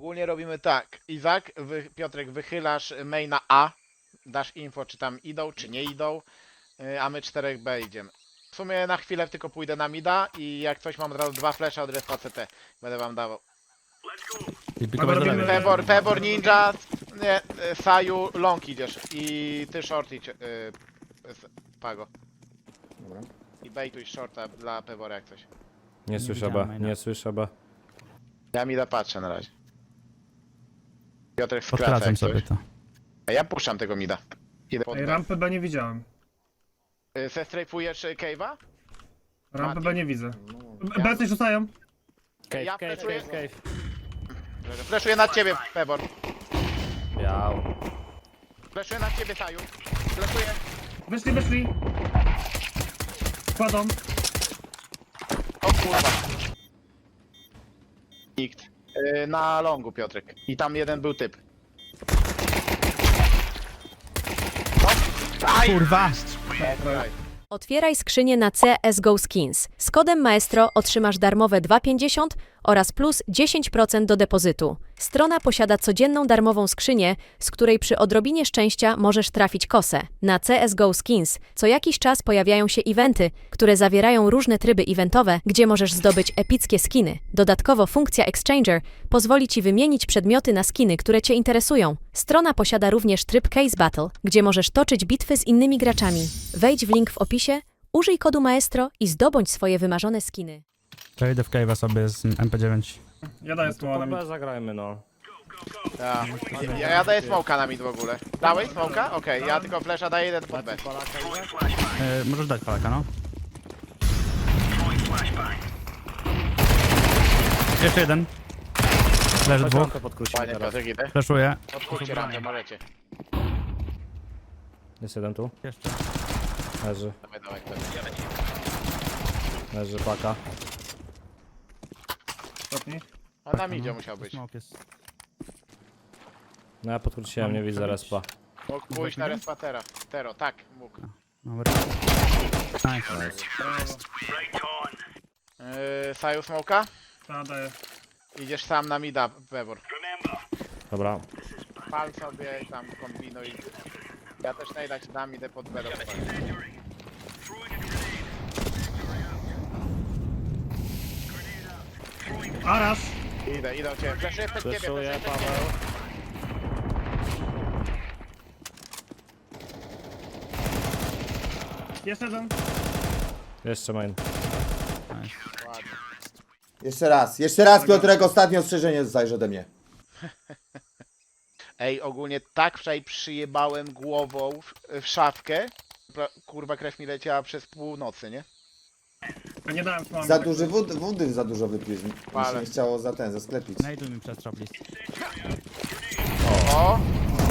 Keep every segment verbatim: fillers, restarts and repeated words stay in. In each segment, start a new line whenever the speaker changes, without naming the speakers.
ogólnie robimy tak. Izak, wy, Piotrek, wychylasz maina A, dasz info, czy tam idą, czy nie idą, y, a my czterech B idziemy. W sumie na chwilę tylko pójdę na mida i jak coś mam od razu dwa flesze od respa C T. Będę wam dawał.
I pikować do lewej.
Pebor, Pebor, Ninja, nie, y, Saju, long idziesz i ty short idź, y, s- Pago.
Dobra.
I bejtuj shorta dla Pebora jak coś.
Nie słyszę
widziałem
ba,
maina.
nie słyszę ba.
Ja mida patrzę na razie. Piotrek skraca
Podkracam
jak
sobie
coś.
to.
A ja puszczam tego mida. Idę pod
Ej,
B.
rampę B nie widziałem.
Y, Zestrajfujesz y, Cave'a?
Rampę
Mati.
B nie widzę.
Ja-
B coś rzucają.
Cave,
Ja
cave,
fleszuję.
cave, cave.
Fleszuję na ciebie, Pebor.
Biał.
Fleszuję na ciebie, Saju. Fleszuję.
Wyszli, wyszli. Kładą.
O kurwa. Nikt. Y, na longu, Piotrek. I tam jeden był typ. No. Aj!
Kurwa!
Aj.
Otwieraj skrzynię na C S G O Skins. Z kodem Maestro otrzymasz darmowe dwa pięćdziesiąt oraz plus dziesięć procent do depozytu. Strona posiada codzienną darmową skrzynię, z której przy odrobinie szczęścia możesz trafić kosę. Na C S G O Skins co jakiś czas pojawiają się eventy, które zawierają różne tryby eventowe, gdzie możesz zdobyć epickie skiny. Dodatkowo funkcja Exchanger pozwoli Ci wymienić przedmioty na skiny, które Cię interesują. Strona posiada również tryb Case Battle, gdzie możesz toczyć bitwy z innymi graczami. Wejdź w link w opisie, użyj kodu Maestro i zdobądź swoje wymarzone skiny.
Przejdę w cave'a sobie z M P dziewięć.
Ja daję
To
smoła na
po
mid.
B zagrajmy no.
Ja, ja, ja daję smoka na mid w ogóle. Dałeś smoka? Okej, ja tylko flesza daję jeden pod B.
E, możesz dać palaka, no. Jeszcze jeden. Leży dwóch.
Rampę podkrócimy
Panie
teraz.
Piotrek, idę.
Flashuję.
Odkurcie rampę, możecie.
Jest jeden tu.
Jeszcze.
Leży.
Dawaj, dawaj, dawaj.
Leży paka.
Ostatni.
On na midzie musiał być.
Smoke jest.
No ja podkróciłem, nie widzę respa.
Mógł pójść na respatera. Tero, tak, mógł.
Dobra. Nice.
Yy, Saju smoka?
Ta daję.
Idziesz sam na mida, Pebor.
Dobra.
Pal sobie i tam kombinuj. Ja też najda ci dam, idę pod B do pokoju.
Arasz.
Idę, idę do ciebie. Fleszuję przed ciebie,
Fleszuję,
fleszuję przed
Paweł.
ciebie.
Jeszcze jeden.
Jeszcze main.
Ładnie.
Jeszcze raz, jeszcze raz Piotrek, ostatnie ostrzeżenie zajrze ode mnie.
Ej, ogólnie tak wczoraj przyjebałem głową w, w szafkę. Pra- Kurwa, krew mi leciała przez północy, nie?
Ja nie dałem smoła.
Za duży wód, wody za dużo wypiłeś. Mi się
Ale.
nie chciało za ten, zasklepić.
Znajduj mi przestrzał, please.
O!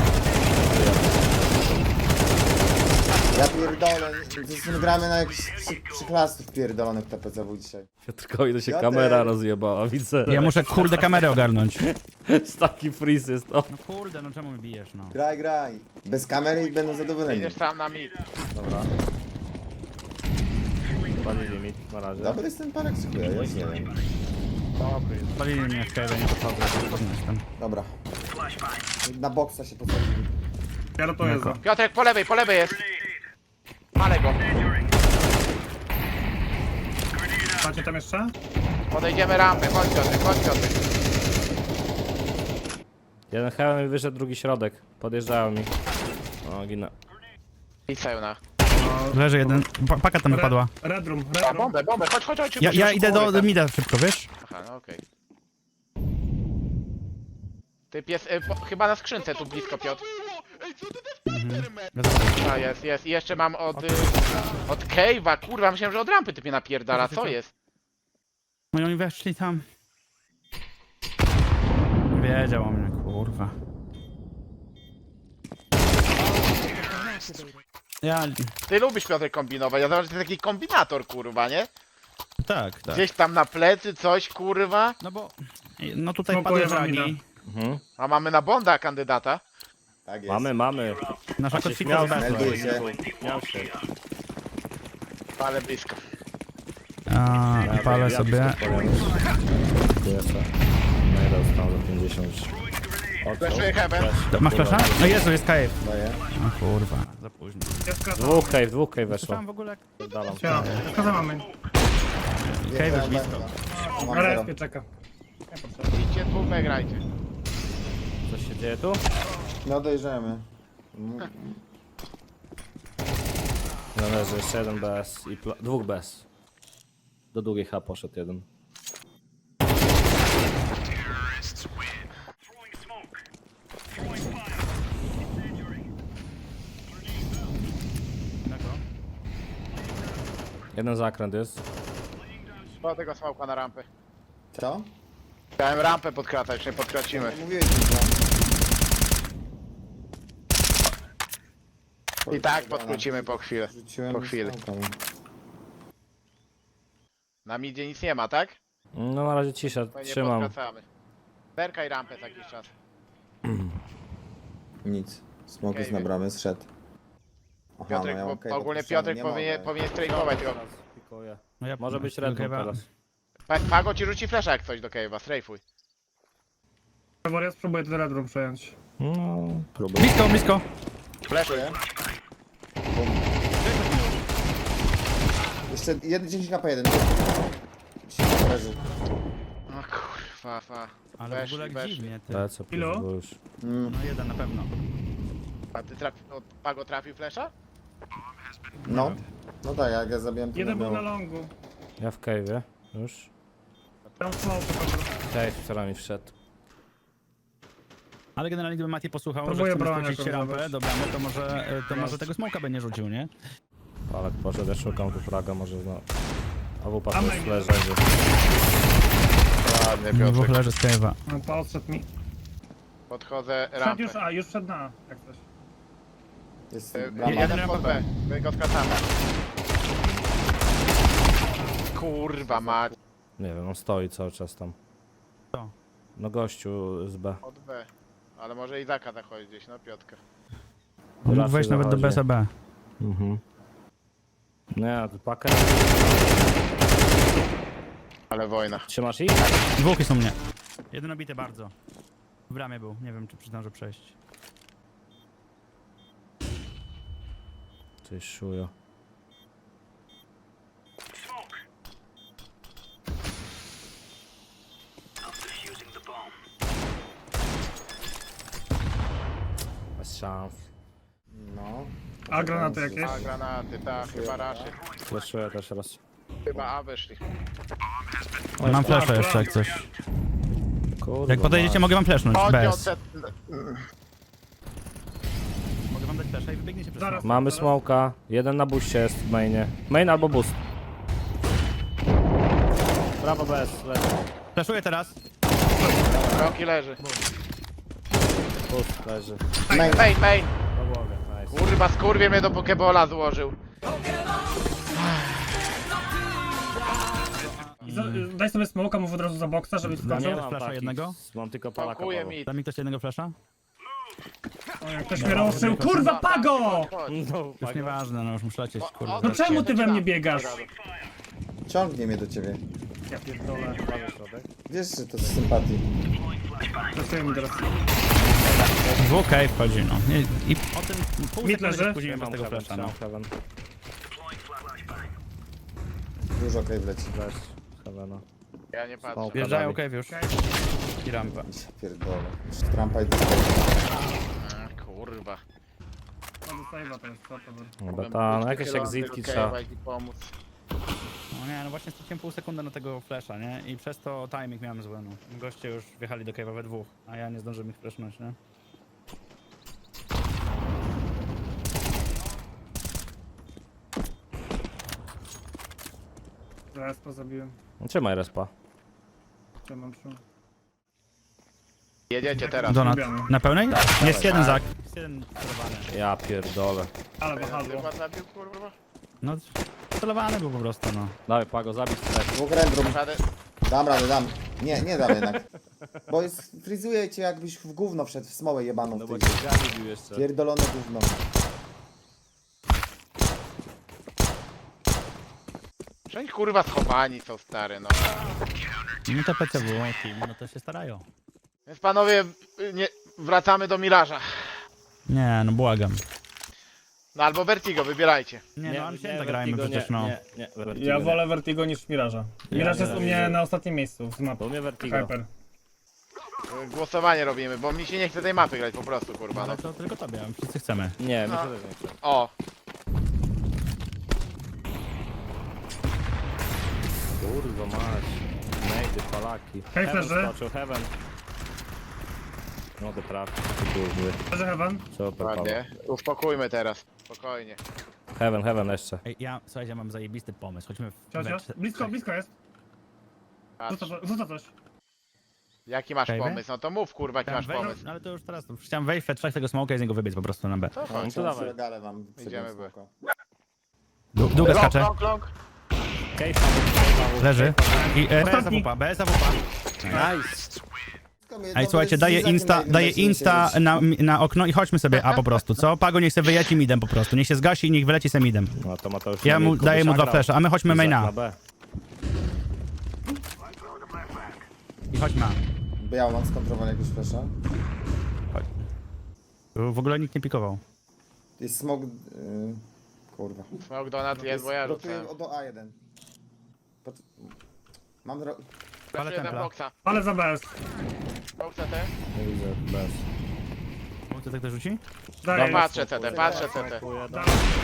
Ja pierdolę, zresztą gramy na jakichś przy, przyklastów pierdolonych T P C W dzisiaj.
Piotrkowi to się
Ja
kamera
też.
rozjebała, widzę.
Ja muszę kurde kamerę ogarnąć.
Taki freeze jest to.
No kurde, no czemu mi bijesz, no.
Graj, graj. Bez kamery i będą zadowoleni.
Idziesz sam na mid.
Dobra. Palili limit na razie.
Dobry jest ten parek, dziękuję, ja już nie wiem.
Dobry jest.
Palili mnie w cave'ie, nie podchodzę, nie jestem.
Dobra. Na boksa się posadzili.
Ja rotuję
Jako.
za.
Piotrek, po lewej, po lewej jest. Malę go.
Macie tam jeszcze?
Podejdziemy rampę, chodź Piotrek, chodź Piotrek.
Jeden hełm mi wyszedł, drugi środek. Podjeżdżają mi. O, ginę.
I Sajuna.
Leży jeden. Pa- Paka tam wypadła.
Red room, red
A,
room.
bombę, bombę, chodź, chodź, chodź.
Ja,
szybko,
ja
szybko,
idę do,
szybko.
do mida szybko, wiesz?
Aha, no okej. Typ jest, y, po, chyba na skrzynce tu blisko, Piotr. A, jest, jest. I jeszcze mam od, y, od Cave'a, kurwa, myślałem, że od rampy typie napierdala, co jest?
No i oni weszli tam. Wiedział o mnie, kurwa. Ja...
Ty lubisz, Piotrek, kombinować, ja zobacz, że ty taki kombinator, kurwa, nie?
Tak, tak.
Gdzieś tam na plecy coś, kurwa.
No bo... No tutaj
Smokuję
padły
wam
fragi.
mida.
Mhm.
A mamy na Bonda kandydata.
Tak jest.
Mamy, mamy.
Nasza
A się
kotwika
śmiał
z
z
B.
Melduję się.
Śmiał się.
Ale blisko.
A,
Ja
palę
ja
sobie.
blisko palę. Dziękuję sobie. No i dostał za pięćdziesiąt. O, co?
Flashuję heaven.
To, masz flasha? No Jezu, jest cave.
Daję.
O kurwa, za późno.
Jest krasa.
Dwóch cave, dwóch cave weszło.
Słyszałem w ogóle jak...
Dalam.
Ja, krasa mamy.
Cave
Jest
jest blisko.
B. Mam
Na
zero.
respie czeka. Nie potrzeba.
Idźcie dwóch B grajcie.
Co się dzieje tu?
No dojrzemy. Mm.
Należy jeszcze jeden bez i pla... dwóch bez. Do długiej H poszedł jeden. Jeden zakręt jest.
Po tego smoka na rampę.
Co?
Chciałem rampę podkratać, nie podkracimy.
Mówiłeś mi to.
I tak podkrócimy po chwilę.
Rzuciłem
Po chwili.
smoka.
Na midzie nic nie ma, tak?
No na razie cisza,
To nie
trzymam.
podkracamy. Zerkaj rampę za jakiś czas.
Nic. Smok jest
Okej,
na bramie, zszedł. Aha,
Piotrek,
no ja
po,
okej,
ogólnie
podpisałem,
Piotrek
nie
powinien,
mogę.
powinien strajkować go.
Pikuję.
No ja
Może być
do
red
cave'a.
teraz.
Pa- Pago ci rzuci flasha jak coś do cave'a, strajfuj.
Faworia spróbuję ten red room przejąć.
No, próbuję.
Blisko, blisko.
Flashuj.
Jeszcze jeden, dziesięć K P jeden. Leży.
No kurwa, fa.
Ale w
Weszli,
ogóle jak
weszli.
dziwnie, ty.
Lecę,
Ilu?
bo już.
Mm,
No jeden na pewno.
A ty trafi, no, Pago trafił flasha?
no. No tak, jak ja zabiłem to
Jeden
nie
był na
było.
longu.
Ja w cave'ie. Już.
Tam smoke po prostu.
Cave, która mi wszedł.
Ale generalnie gdyby Mati posłuchał,
Próbuję
że chcemy
broń
skrócić
jakoś
rampę
zdobyć.
do bramy, to może, e, to może tego smoka by nie rzucił, nie?
Palek poszedł, ja szukam tu fraga, może zna. A wupa
A
tu
my
jest
nie.
leży.
Ładnie,
Dwóch
Piotrek.
leży z cave'a.
No to odszedł mi.
Podchodzę
Przed
rampę.
już, a już przed na, jak coś.
Jest
Y,
brama.
Jeden
rampa
pod B. My go skracamy. Kurwa mać.
Nie wiem, on stoi cały czas tam.
Co?
No gościu z B.
Od B. Ale może Izaka zachodzi gdzieś, no Piotka.
Mógł
Raczej
wejść nawet do
zachodzi.
B S B.
Mhm. Nie, tu pakę.
Ale wojna.
Trzymasz ich?
Dwóch są mnie. Jeden obity bardzo. W bramie był, nie wiem czy zdąży przejść.
Ty szujo. Bez szans.
No.
A granaty jakieś?
A granaty, tak, chyba raszy.
Fleszuję też raz.
Chyba A wyszli.
Mam flasha jeszcze jak coś.
Kurwa,
Jak podejdziecie mogę wam flashnąć,
Chodźcie
bez.
od set...
Mogę wam dać flasha i wybiegniecie przez
Zaraz.
smoka.
Mamy smoka. Jeden na buście jest w mainie. Main albo boost. Brawo bez, leży.
Flashuję teraz.
Roki leży.
Boost leży.
Main.
Main, main!
Do głowy, nice.
Kurwa, skurwie mnie do pokebola złożył.
I za, daj sobie smoka, mów od razu za boksa, żeby
Nie
skoczył.
mam
flasha
takich,
jednego?
Mam tylko palaka.
Pakuje
mało.
mi.
Da mi ktoś jednego flasha?
O, jak ktoś mnie rozszył. Kurwa, Pago!
Chodź.
No,
Już nieważne, no już muszę lecieć, kurwa.
No czemu ty we mnie biegasz?
Ciągnie mnie do ciebie.
Ja pierdolę.
Wiesz, że to z sympatii.
Pracuję mi teraz.
Dwóch cave wchodzi, no. I, i o tym pół
Mid
sekundy
leży.
się spóźniłem bez
Mam
tego
heaven,
flasha, no.
trzymam heaven.
Dużo okej wleci.
Bez heavena.
Ja nie patrzę.
Smoke.
Wjeżdżają cave już. I rampa.
Ja pierdolę. Już Trumpa i
A, kurwa.
Mam save'a teraz, co to było?
Dobra, ta, no jakieś exitki trzeba.
Trzeba pomóc.
No nie, no właśnie straciłem pół sekundy na tego flasha, nie? I przez to timing miałem zły, no. Goście już wjechali do cave'a we dwóch, a ja nie zdążyłem ich flashnąć, nie?
Zaraz pozabiłem.
Trzymaj respa.
Co mam przy?
Jedziecie teraz.
Donat.
lubiamy.
Na pełnej? Jest jeden zak. Jest jeden celowany.
Ja pierdolę.
Ale wahadło.
Chyba zabił, kurwa.
No, celowany był po prostu, no.
Dawaj Pago, zabić strefę.
Dwóch random.
Żaden...
Dam radę, dam. Nie, nie dam jednak. Bo jest, frizuje cię jakbyś w gówno wszedł, w smołę jebaną
No
w
bo
tej.
cię Gani bił jeszcze.
Pierdolone gówno.
Wszędzie kurwa schowani są stary, no.
No to P C W, team, no to się starają.
Więc panowie, y, nie, wracamy do Miraża.
Nie, no błagam.
No albo Vertigo, wybierajcie.
Nie, no Ancienta grajmy
Vertigo,
przecież,
nie,
no.
Nie, nie, Vertigo
Ja
nie.
wolę Vertigo niż Miraża. Miraż
nie,
jest u
nie,
mnie
nie.
na ostatnim miejscu z mapy.
To mnie Vertigo.
Hyper.
Y, Głosowanie robimy, bo mi się nie chce tej mapy grać po prostu, kurwa. No.
Ale to tylko tobie, wszyscy chcemy.
Nie, mi
No.
się też nie chce.
O,
Kurwa mać. Nejdy, palaki.
Hej,
Heaven
flerzy.
skoczył, Heaven. No to trafi. Kurwy.
Leży Heaven.
Super, Paweł.
ładnie. Uspokójmy teraz. Spokojnie.
Heaven, Heaven jeszcze.
Ej, ja, słuchajcie, ja mam zajebisty pomysł. Chodźmy w...
Cio, cio.
we-
Blisko, blisko jest.
Patrz.
Rzuca, rzuca coś.
Jaki masz
Kajwy?
pomysł? No to mów, kurwa, jaki
Chciałem
masz
wejść,
pomysł.
no, ale to już teraz, to chciałem wejść, trzech tego smoka i z niego wybiec po prostu na B.
To
No
chodź.
to dawaj.
Regale wam.
Idziemy, by.
Du- Długo
Long,
skacze,
long, long.
Case znowu,
leży. I e, B jest
Ostatni.
A W P, B jest A W P.
Nice.
Ej, słuchajcie, daję insta, daję insta na, na okno i chodźmy sobie A po prostu, co? Pago niech se wyjeci midem po prostu, niech się zgasi i niech wyleci se midem.
No to Mateusz.
Ja mu
Kubuś
daję mu dwa
nagrał.
flesze, a my chodźmy
Izak
maina.
na B.
I chodźmy A.
Biał mam skontrolować jakiegoś flasha.
Chodź. Tu w ogóle nikt nie pikował.
Jest smog... Yy, kurwa.
Smoke donut jest, bo ja
Rotuję
rzucę.
do A jeden. Pot... Mam dro...
Flashuję ten
templa.
boxa.
Ale za B jest.
Smoke C T.
Nie widzę, bez.
Mógł tak też rzuci?
Daję.
No patrzę C T, patrzę C T.
Dziękuję, no.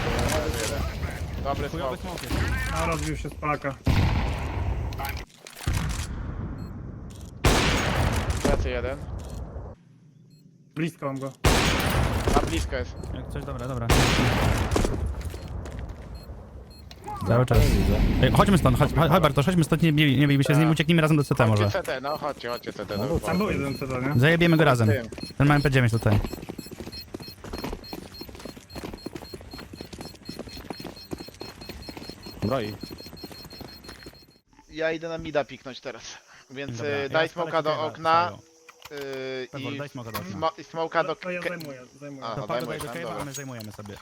Dobry
Chujowy
smoke.
smoke jest.
A, rozbił się z Polaka.
Plecy jeden.
Blisko mam go.
Na blisko jest.
Jak coś, dobra, dobra. Cały czas. Ej, chodźmy stąd, chodź, chodź Bartosz, chodźmy stąd, nie, bij- nie bijmy się z nim, ucieknijmy razem do C T może.
Chodźcie C T, no chodźcie, chodźcie C T.
No
No,
Tam był jeden C T, nie?
Zajebiemy go razem.
Tym.
Ten ma M P dziewięć tutaj.
Broi.
Ja idę na mida piknąć teraz. Więc
Dobra,
y,
ja
daj
spalę
smoka do
Kike'a,
okna
Sajo.
y,
Pewor,
i
daj smoka do okna.
smo, i smoka do...
To ja
ke-
zajmuję, zajmuję.
A.
To
no,
Pago
daj
daj do
mu,
cave'a,
dobra.
a my zajmujemy sobie.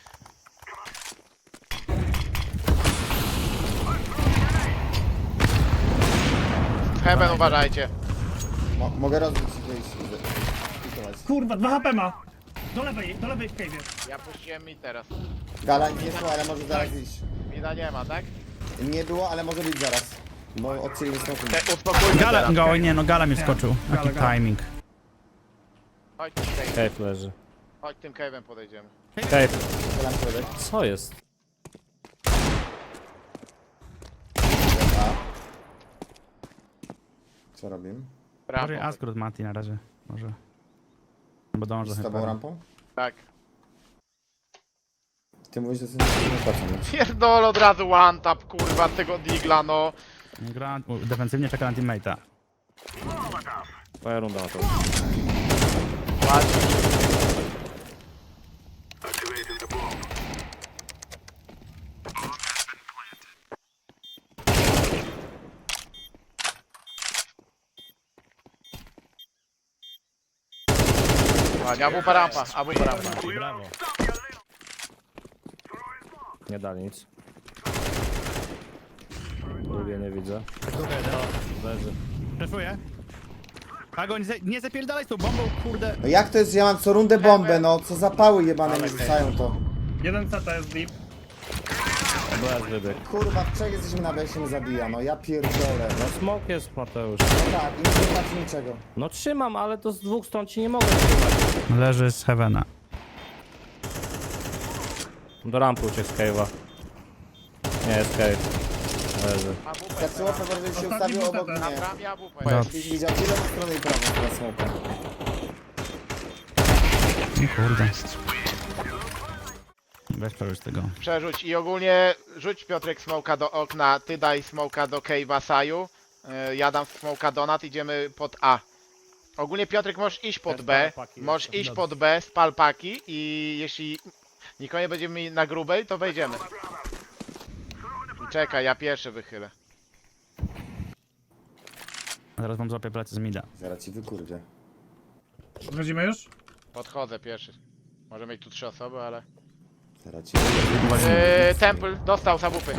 Heaven uważajcie.
Mo mogę rozbić i wyjść. i pikować.
Kurwa, dwa H P ma. Do lewej, do lewej w cave'ie.
Ja puściłem mi teraz.
Gala nie było, ale może zaraz iść.
Mida nie ma, tak?
Nie było, ale może być zaraz. Bo odcięli smoku.
Te, uspokójmy
Gala,
teraz.
go, nie no, Gala mi wskoczył.
Gala,
Jaki
Gala.
timing.
Chodź tym cave'em,
Cave leży.
chodź tym cave'em podejdziemy.
Cave.
Strzelam środek.
Co jest?
A. Co robimy?
Może
Rampą.
Askrót Mati na razie. Może. Bo dążę
Z
chyba.
tobą rampą?
Tak.
Ty mówisz, że jesteś nie płacą, nie?
Pierdol od razu one tap, kurwa, tego digla, no.
Gra u, defensywnie czeka na teammate'a.
Twoja runda na to.
Ładnie. Ładnie, abupa rampa, abupa rampa.
Brawo.
Nie dali nic. Drugie nie widzę. Leży.
Przeszuję. Pago, nie, nie zapierdalaj z tą bombą, kurde.
No jak to jest, że ja mam co rundę bombę, no co zapały jebane mi rzucają to.
Jeden C T jest deep.
Bez wybieg.
Kurwa, w trzech jesteśmy na B się nie zabija, no ja pierdolę.
No smoke jest, Mateusz.
No tak, i nie znaczy niczego.
No trzymam, ale to z dwóch stron ci nie mogę trzymać.
Leży z Heavena.
Do rampy uciekł z cave'a. Nie, jest cave. Leży.
Abupę,
Zaczęło to, że się
Ostatni
ustawił
był
obok
ten.
na
mnie.
bramie abupę.
Dobra.
Byś widział tyle po stronę i prawą teraz smoka.
O kurde. Weź przeżyć tego.
Przerzuć i ogólnie rzuć Piotrek smoka do okna, ty daj smoka do cave'a Saju, yy, ja dam smoka donat, idziemy pod A. Ogólnie Piotrek możesz iść pod
Bez
B,
palpaki
możesz
jeszcze.
iść pod B, spal paki i jeśli nikogo nie będziemy mieli na grubej, to wejdziemy. Czekaj, ja pierwszy wychylę.
Zaraz wam złapię plecy z mida.
Zaraz ci wykurwię.
Wchodzimy już?
Podchodzę pierwszy. Może mieć tu trzy osoby, ale...
Zaraz ci
Yy, Temple dostał zabupy.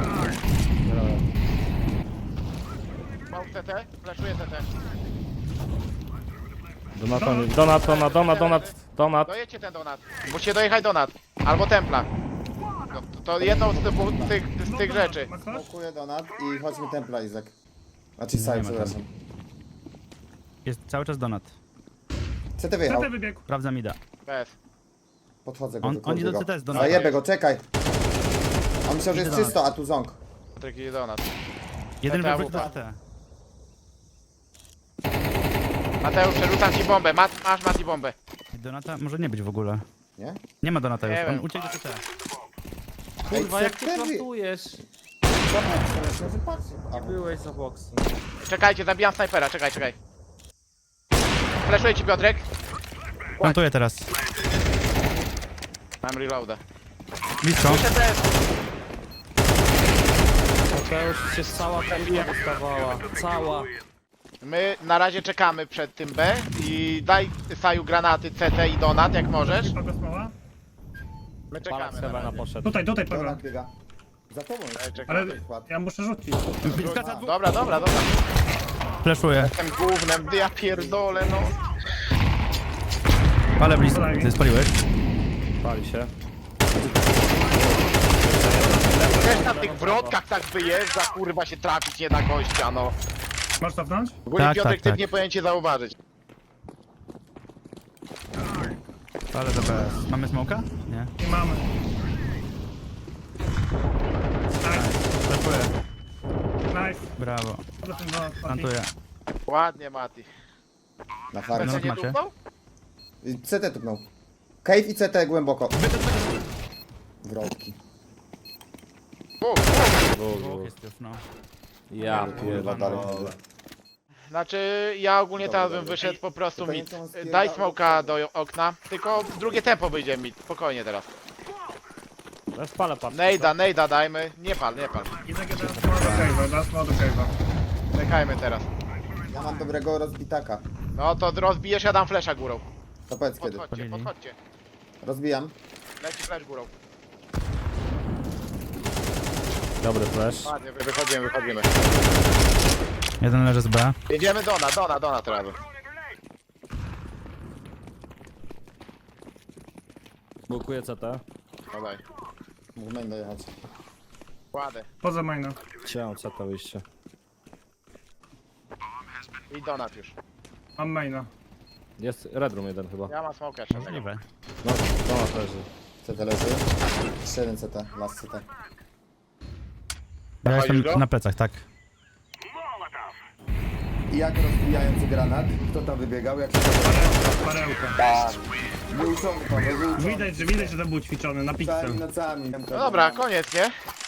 Mam C T, flashuję C T.
Donat, donat, donat, donat, donat, donat.
Dojedźcie ten donat. Musicie dojechać donat. Albo templa. No, to, to jedną z, typu, tych, z tych rzeczy.
Ma ktoś?
Smokuję donat i chodźmy templa, Izak. Znaczy side,
ma
przepraszam.
Jest cały czas donat.
C T wyjechał.
C T wybiegł.
Sprawdza mida.
Bez.
Podchodzę go,
On-
wykurwię
oni do
go.
C T z donata.
Zajebę go, czekaj. On myślał, że jest
Idę donat.
czysto, a tu ząg.
Patryk idzie donat.
Jeden
C T
wywrót do
A W P.
C T.
Mateusz, przerzucam ci bombę. Mat, masz Mati bombę.
Donata może nie być w ogóle.
Nie?
Nie ma donata
Nie
już, on
wiem.
uciekł do C T.
Kurwa,
Ej,
jak
co
ty
ty wy-
plantujesz?
Patrz. A,
Byłeś za boksem.
Czekajcie, zabijam snajpera. Czekaj, czekaj. Flashuję ci, Piotrek.
Plantuję teraz.
Mam reloada.
Blisko.
Jeszcze bez.
To już się cała kombi dostawała. Cała.
My na razie czekamy przed tym B i daj Saju granaty C T i donat, jak możesz.
Pago smoła.
My
Palak
czekamy
z
na
Heavena
razie.
poszedł.
Tutaj, tutaj Pago.
donat biega. Za tobą
Ej,
jest.
czekamy.
Ale ja muszę rzucić.
Blisko za dwóch.
Dobra, dobra, dobra.
Flashuję.
Tym gównem, ja pierdolę, no.
Ale blisko. Ty spaliłeś?
Pali się.
Też na tych wrotkach tak wyjeżdża, kurwa się trafić nie da gościa, no.
Masz cofnąć?
W ogóle
Tak,
Piotrek,
tak,
ty
tak.
nie powinien cię zauważyć.
Ale dobra. Mamy smoka? Nie.
Nie mamy. Nice,
Flashuję.
nice.
Brawo.
Do tym donat.
Plantuję.
Ładnie, Mati.
Na farę.
No.
Co nie
macie.
dupnął?
I C T tupnął. Cave i C T głęboko. Wrotki.
Bóg, bóg.
Dwóch jest już, no.
Ja
Kurwa,
pierdolę.
dalej.
Znaczy, ja ogólnie
Dobra,
teraz bym
dobra.
wyszedł po prostu
To
mid.
nie są spierdala-
Daj smoka do okna, tylko drugie tempo wyjdzie mid. Spokojnie teraz.
Ja spalę patrz.
Nejda, nejda dajmy. Nie pal, nie pal.
Jednak jeden smoła do cave'a, da smoła do cave'a.
Czekajmy teraz.
Ja mam dobrego rozbitaka.
No to rozbijesz, ja dam flesza górą.
To powiedz kiedy.
Podchodźcie,
Podjęli.
podchodźcie.
Rozbijam.
Leci flash górą.
Dobry flash.
Ładnie, wy- wychodzimy, wychodzimy.
Jeden leży z B.
Jedziemy dona, dona, dona teraz.
Bukuję C T.
No daj.
Mógł main dojechać.
Kładę.
Poza maina.
Chciałem C T wyjście.
I donat już.
Mam maina.
Jest Red Room jeden chyba.
Ja mam smoka jeszcze. tego.
Możliwe.
No, donat leży.
C T leży. Jeszcze jeden C T. Last C T.
Ja
Zachodzisz
jestem
go?
na plecach, tak.
I jak rozbijający granat? Kto tam wybiegał? Jak się
Parełka, parełka.
Tak. Wyuczony to, wyuczony.
Widać, że widać, że to był ćwiczony na
Całymi
pizzę.
nocami.
No dobra, koniec, nie?